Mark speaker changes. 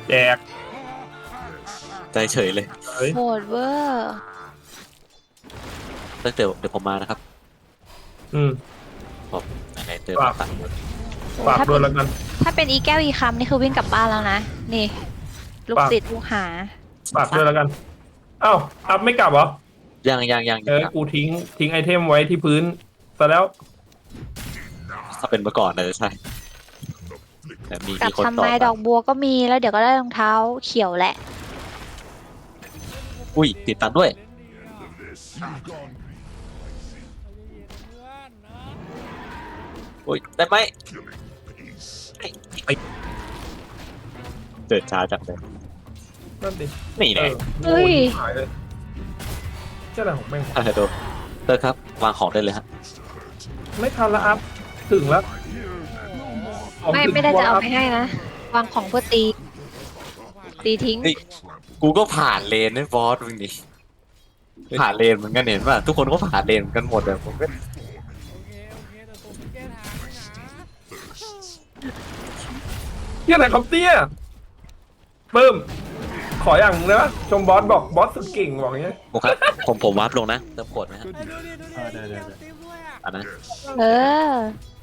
Speaker 1: แจก
Speaker 2: ใจเฉยเลย
Speaker 1: เฮ้ย
Speaker 3: โหดเวอร์
Speaker 2: เดี๋ยวผมมานะครับ
Speaker 1: อืม
Speaker 2: ผมไหนๆเจอ
Speaker 1: ฝาก
Speaker 2: ตังค์
Speaker 3: โอ้
Speaker 1: ฝาก
Speaker 3: ถ้า
Speaker 1: ด้
Speaker 3: เป็
Speaker 1: วย
Speaker 3: น
Speaker 1: แล้วกัน
Speaker 3: ถ้าเป็นอีแก้วอีคำนี่คือวิ่งกลับบ้านแล้วนะนี่ลูก
Speaker 1: ฝาก
Speaker 3: ศิษย์ลูกหา
Speaker 1: ฝากด้วยแล้วกันอ้าวอัพไม่กลับเหรอ
Speaker 2: ยังครับ
Speaker 1: กูทิ้งไอเทมไว้ที่พื้นซะแล้ว
Speaker 2: ถ้าเป็นเมื่อก่อนน่าจะใช่แต่มี
Speaker 3: กลับ
Speaker 2: คน
Speaker 3: ทำ
Speaker 2: ต่อ
Speaker 3: ไมดอกบัวก็มีแล้วเดี๋ยวก็ได้รองเท้าเขียวแหละ
Speaker 2: อุ้ยติดตังค์ด้วยอุ้ยได้ไหมเดินช้าจังเลย
Speaker 1: นั่นดิ
Speaker 2: นี่
Speaker 1: เอ
Speaker 2: แน่
Speaker 1: อ
Speaker 3: เฮ้ย
Speaker 1: หายเลยเจ้าอะไรของแม่งวะ
Speaker 2: โดนเตอร์ครับวางของได้เลยฮะ
Speaker 1: ไม่ทันละอัพถึงแล้วของ
Speaker 3: ไม่
Speaker 1: ถึง
Speaker 3: ไม่ได้
Speaker 1: ตัว
Speaker 3: จะเอา
Speaker 1: แล้ว
Speaker 3: ไปให้นะวางของเพื่อตีทิ้ง
Speaker 2: เฮ้ยกูก็ผ่านเลนนะบอสมึงนี่ผ่านเลนเหมือนกันเห็นป่ะทุกคนก็ผ่านเลนเหมือนกันหมดเลยผมก็
Speaker 1: เที่ยอะไรครับเนี่ยเพิ่มขออย่างหนึงได้ปะชมบอสบอกบอสสุดเก่งบอกอย่างเงี้ย
Speaker 2: ผมครับผมวาร์ปลงนะเติมกดไหมฮะ
Speaker 1: ได้
Speaker 2: อันนั้น
Speaker 3: เออ